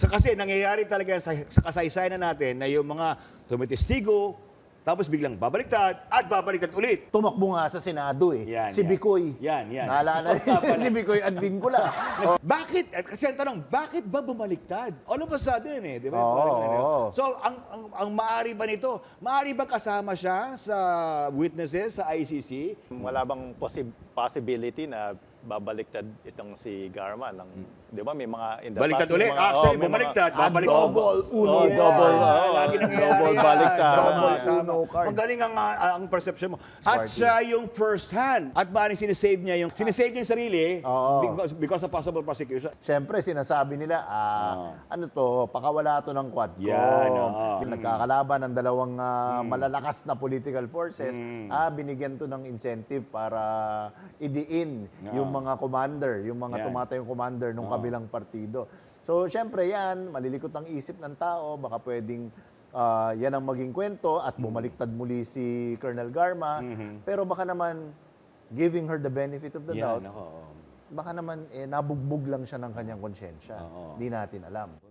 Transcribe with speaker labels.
Speaker 1: Kasi nangyayari talaga sa kasaysayan na natin na yung mga tumitestigo, tapos biglang babaliktad at babaliktad ulit.
Speaker 2: Tumakbo nga sa Senado eh.
Speaker 1: Yan,
Speaker 2: Si
Speaker 1: yan.
Speaker 2: Bicoy.
Speaker 1: Yan.
Speaker 2: Naalala niyo si Bicoy Advincula.
Speaker 1: Bakit? Kasi ang tanong, bakit ba bumaliktad? All of a sudden eh, di ba?
Speaker 2: Oo,
Speaker 1: Parang ganun.
Speaker 2: oo.
Speaker 1: So, ang maari ba nito? Maari ba kasama siya sa witnesses sa ICC?
Speaker 3: Wala bang possibility na babaliktad itong si Garma ng, di ba, may mga in the
Speaker 1: Baliktad
Speaker 3: past, may
Speaker 1: ulit.
Speaker 3: mga-
Speaker 1: Actually,
Speaker 3: may
Speaker 1: bumaliktad.
Speaker 2: Ah,
Speaker 1: Babaliktad.
Speaker 2: double uno.
Speaker 3: Oh, double,
Speaker 1: Lagi nangyayari
Speaker 3: double
Speaker 1: yan.
Speaker 3: baliktad.
Speaker 1: Double
Speaker 2: Tama.
Speaker 1: uno card. Magaling ang perception mo. At
Speaker 2: Smarty.
Speaker 1: siya yung first hand. At maaaring sinisave niya yung sarili
Speaker 2: Oo.
Speaker 1: because of possible prosecution.
Speaker 2: Siyempre, sinasabi nila, ano to, pakawala to ng Quadcom.
Speaker 1: Yan, oo.
Speaker 2: Nagkakalaban ng dalawang malalakas na political forces. Binigyan to ng incentive para idiin yung mga commander, yung mga
Speaker 1: Yan.
Speaker 2: tumatayong commander ng kabilang partido. So, siyempre yan, malilikot ang isip ng tao, baka pwedeng yan ang maging kwento at bumaliktad muli si Colonel Garma. Pero baka naman, giving her the benefit of the doubt,
Speaker 1: Yan, ako.
Speaker 2: baka naman nabugbog lang siya ng kanyang konsyensya.
Speaker 1: Oo.
Speaker 2: Hindi natin alam.